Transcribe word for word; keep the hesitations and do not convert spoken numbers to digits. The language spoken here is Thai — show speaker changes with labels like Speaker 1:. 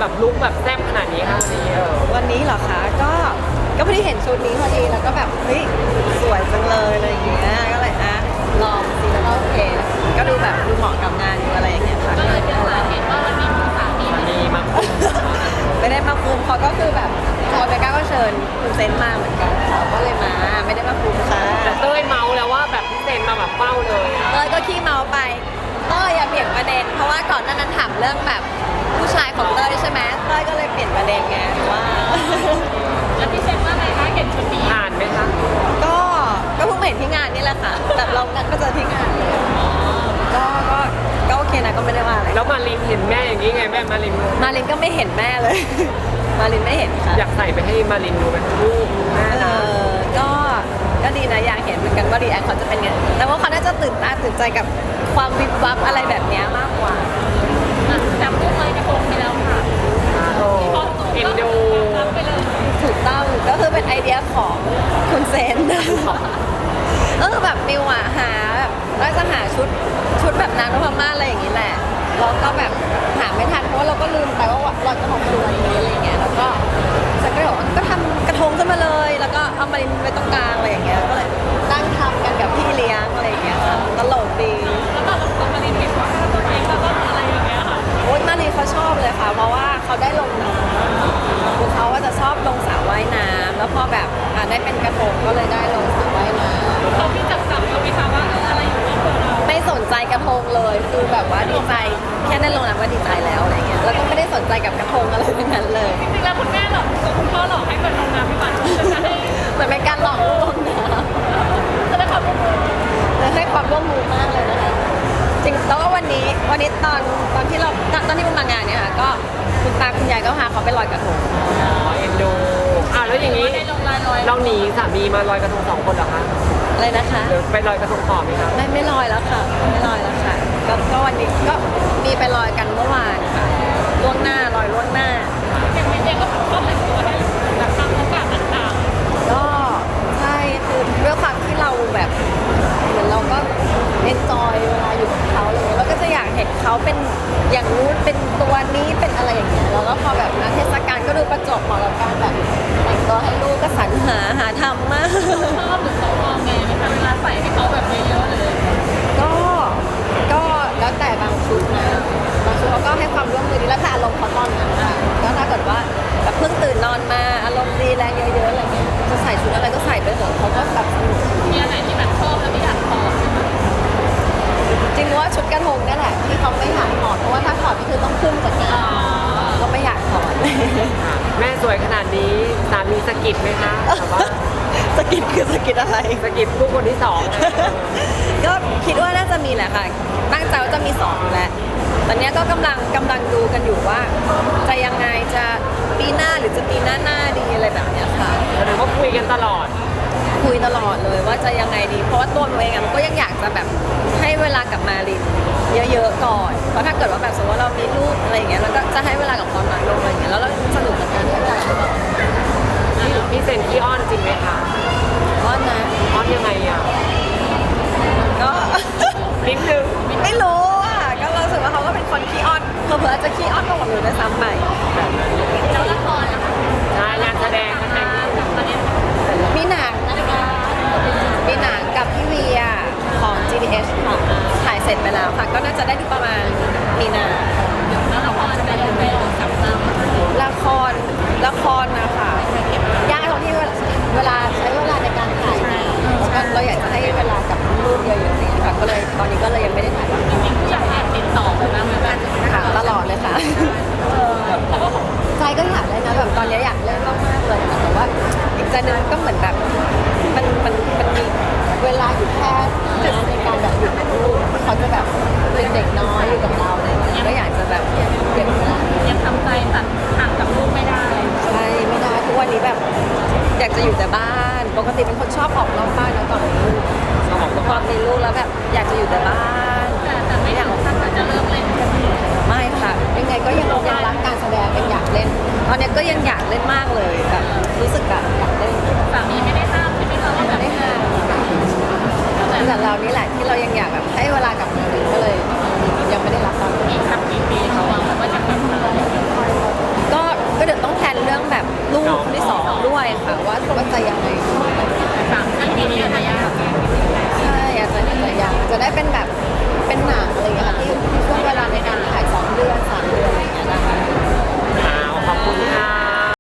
Speaker 1: แบบลุคแบบแซ่บขนาดนี้คะวันนี้เออ
Speaker 2: วันนี้เหรอคะก็ก็พอดีเห็นชุดนี้พอดีแล้วก็แบบเฮ้ยสวยจังเลยอะไรอย่างเงี้ยก็เลยอ่ะลองสิแล้วก็โอเคก็ดูแบบดูเหมาะกับงานดูอะไรอย่างเงี้ยค่ะก็เลยเป็นสาเหตุว่าวันนี้มีสามี
Speaker 1: มีมา
Speaker 2: ไม่ได้มาคุมเขาก็คือแบบพอเบก้าก็เชิญคุณเซนมาเหมือนกันเขาก็เลยมาไม่ได้มาคุมค่ะ
Speaker 1: แต่เต้ยเมาแล้วว่าแบบพี่เซนมาแบบเฝ้าเลยอะ
Speaker 2: เต้ยก็ขี้เมาไปเต้ยอย่าเปลี่ยนประเด็นเพราะว่าก่อนหน้านั้นถามเรื่องแบบผู้ชายของเต้ยใช่ไหมเต้ยก็เลยเปลี่ยนประเด็นไงว่า
Speaker 3: แล้วพี่เซนว่าไงคะเห็นชุดนี้
Speaker 1: ผ่านไหมคะ
Speaker 2: ก็ก็เพิ่งมาเห็นที่งานนี่แหละค่ะแบบเรานัดก็เจอที่งานเลยก็ก็ก็โอเคนะก็ไม่ได้ว่าอะไร
Speaker 1: แล้วมารินเห็นแม่อย่างนี้ไงแม่มาริน
Speaker 2: มารินก็ไม่เห็นแม่เลย มารินไม่เห็นค่ะ
Speaker 1: อยากใส่ไปให้มารินดูไหมลูกแม่
Speaker 2: เอ
Speaker 1: นะ
Speaker 2: อก็ก็ดีนะอยากเห็นเหมือนกันว่ารีแอคเขาจะเป็นไงแต่ว่าเขาน่าจะตื่นตาตื่นใจกับความวิบวับอะไรแบบเนี้ยมากกว่า
Speaker 3: จำรูปเลยกระทงไปแล้วค่ะ
Speaker 1: โอ้เอ็นดู
Speaker 3: รับไปเลย
Speaker 2: ถูกต้องก็คือเป็นไอเดียของคุณเซน ก็คือแบบมิวอะหาแบบว่าจะหาชุดชุดแบบนางนพมาศอะไรอย่างนี้แหละแล้วก็แบบหาไม่ทันเพราะว่าเราก็ลืมไปว่าเราจะของตัวนี้อะไรอย่างเงี้ยแล้วก็ฉันก็เลยบอกว่าก็ทำกระทงขึ้นมาเลย แล้วก็เอามารินไว้ตรงกลางอะไรอย่างเงี้ยก็เลยนั่งทำกันกับพี่เลี้ยงอะไรอย่างเงี้ยค่ะตลกดี
Speaker 3: แล้วก็ตัวมารินเห็นว่าตัวเองแล้วก็อะไรอย่างเงี้ยค่ะ
Speaker 2: โอ๊ยมารินเขาชอบเลยค่ะ เพราะว่าเขาได้ลงน้ำคือเขาว่าจะชอบลงสระว่ายน้ำแล้วพอแบบอ่ะได้เป็นกระทงก็เลยได้ลงสระว่ายน้ำ
Speaker 3: เขาพี่จับจับเราไหมคะว่าเอออะไรอยู่ในตัวเรา
Speaker 2: ไม่สนใจกระทงเลยคือแบบว่าดีใจแค่ได้ลงน้ำก็ดีใจแล้วอะไรเงี้ยแล้วก็ไม่ได้สนใจกับกระทงอะไรทั้งนั้นเลย
Speaker 3: จริงๆแล้วคุณแม่หลอกกับคุณพ่อหลอกให้เปิดลงน้ำพี่หวานจะให้
Speaker 2: เหมือนเป็นการหลอกลูกลงน้
Speaker 3: จะได้ขอบคุณ
Speaker 2: ำเลยให้ความร่วมมือมากเลยนะคะจริงแล้วก็วันนี้วันนี้ตอนตอนที่เราตอนตอนที่มันมางานเนี่ยค่ะก็คุณตาคุณยายก็พาเขาไปลอยกระทง
Speaker 1: อ๋อเอ็นดูอ่ะแล้วอย่างนี้
Speaker 3: ได้ลงลายลอย
Speaker 1: เราหนีสามีมาลอยกระทงสองคนเหรอคะ
Speaker 2: อะไรนะคะ
Speaker 1: หรือไปลอยกระทงต่อไหมคะ
Speaker 2: ไม่ไม่ลอยแล้วค่ะไม่ลอยแล้วค่ะก็ก็วันนี้ก็มีไปลอยกันเมื่อวานค่ะล่วงหน้าลอยล่วงหน้า
Speaker 3: อย่างเมย์เองก็ชอบแต่งตัวให้แบบตามโอกาสต่าง
Speaker 2: ก็ใช่คือด้วยความที่เราแบบเหมือนเราก็เอนจอยเวลาอยู่กับเขาอะไรเงี้ยเราก็จะอยากเห็นเขาเป็นอย่างนู้นเป็นตัวนี้เป็นอะไรอย่างเงี้ยแล้วก็พอแบบงานเทศกาลก็ดูประจวบเหมาะกับการแบบแต่งตัวให้ลูกก็สรรหาหาทำมาก
Speaker 3: ๆชอบหรือเขามองไงไหมคะเวลาใส่ให้เขาแบบเยอะๆเลย
Speaker 2: ก็ก็แล้วแต่บางชุดนะบางชุดเขาก็ให้ความร่วมมือดีแล้วแต่อารมณ์เขาตอนนั้นค่ะก็ถ้าเกิดว่าแบบเพิ่งตื่นนอนมาอารมณ์ดีแรงเยอะๆอะไรเงี้ยจะใส่ชุดอะไรก็ใส่ไปเถอะเขาก็แบบสนุกดี
Speaker 3: มีอะไรที่แบบชอบแล้วไม่อยากถอด
Speaker 2: จริงๆว่าชุดกระทงนี่แหละที่เขาไม่อยากถอดเพราะว่าถ้าถอดก็คือต้องขึ้นจากงานก็ไม่อยากถอด
Speaker 1: ค่ะแม่สวยขนาดนี้สามีสะกิดไหมคะแบบว่า
Speaker 2: สกิดคือสกิดอะไร
Speaker 1: สะกิดลูกคนที่สองอะ
Speaker 2: ก็คิดว่าน่าจะมีแหละค่ะตั้งใจว่าจะมีสองอยู่แล้วตอนเนี้ยก็กำลังกำลังดูกันอยู่ว่า จะยังไงจะปีหน้าหรือจะปีหน้าหน้าดีอะไรแบบเนี้ยค่ะ
Speaker 1: แสดงว่าคุยกันตลอด
Speaker 2: คุยตลอดเลยว่าจะยังไงดี เพราะว่าตัวหนูเองอะมันก็ยังอยากจะแบบให้เวลากับมารินเยอะๆก่อน เพราะถ้าเกิดว่าแบบสมมติว่าเรามีลูกอะไรอย่างเงี้ยเราก็จะให้เวลากับความรักลงอะไรอย่างเงี้ยแล้วเราสนุกกับการเลี้ยงลูก
Speaker 1: พี่เซนขี้อ้อนจริงไหมคะ
Speaker 2: อ้อนนะ
Speaker 1: อ้อนยังไงอ่ะ
Speaker 2: ก็
Speaker 1: นิดนึง
Speaker 2: ไม่รู้อ่ะก็รู้สึกว่าเขาก็เป็นคนขี้อ้อนเผลอๆอาจจะขี้อ้อนมากกว่าหนูด้วยซ้ำไป
Speaker 1: แบบนั้น
Speaker 3: แล้วละครนะคะ
Speaker 1: ใช่งานแสดงแสดง
Speaker 3: กับประเด็น
Speaker 2: มีหนังนะคะมีหนังกับพี่เวียของ จี ดี เอส ค่ะถ่ายเสร็จไปแล้วค่ะ ก็น่าจะได้ดูประมาณมีนา
Speaker 3: แล้วละครจะไปไปออกกับเรา
Speaker 2: ละครละครนะคะยากตรงที่เวลาใช้เวลาในการถ่ายงานแล้วก็เราอยากจะให้เวลากับลูกเยอะๆอย่างเงี้ยค่ะก็เลยตอนนี้ก็เลยยังไม่ได้ถ่าย
Speaker 3: จริงๆผู้ใหญ่แอบติดต่อไปบ้างไหมแบบ
Speaker 2: ค่ะตลอดเลยค่ะใจก็อยากเล่นนะแบบตอนนี้อยากเล่นมากๆเลยค่ะแต่ว่าอีกใจหนึงก็เหมือนแบบมันมันมันมีเวลาอยู่แค่ในการแบบอยู่กับลูกเขาจะแบบเป็นเด็กน้อยอยู่กับเราอะไรอย่างเงี้ยก็อยากจะแบบเก็บเวลา
Speaker 3: ยังทำใจตัดห่างกับลูกไม่ได้
Speaker 2: ใช่ไม่ได้ทุกวันนี้แบบอยากจะอยู่แต่บ้าน ปกติเป็นคนชอบออกนอกบ้านนะก่อนมีลูก
Speaker 1: สมองก็
Speaker 2: พอมีลูกแล้วแบบอยากจะอยู่แต่บ้าน
Speaker 3: แต่แต่ไม่อยากท่านว่าจะเลิกเล่น
Speaker 2: ไม่ค่ะยังไงก็ยังยังรักการแสดงยังอยากเล่น ตอนนี้ก็ยังอยากเล่นมากเลยแบบรู้สึกแบบอยากเล่น
Speaker 3: สามีไม่ได้ห้ามใช่ไหมคะว่าแบ
Speaker 2: ไม่
Speaker 3: บ
Speaker 2: ได้ห้ามแต่เรานี่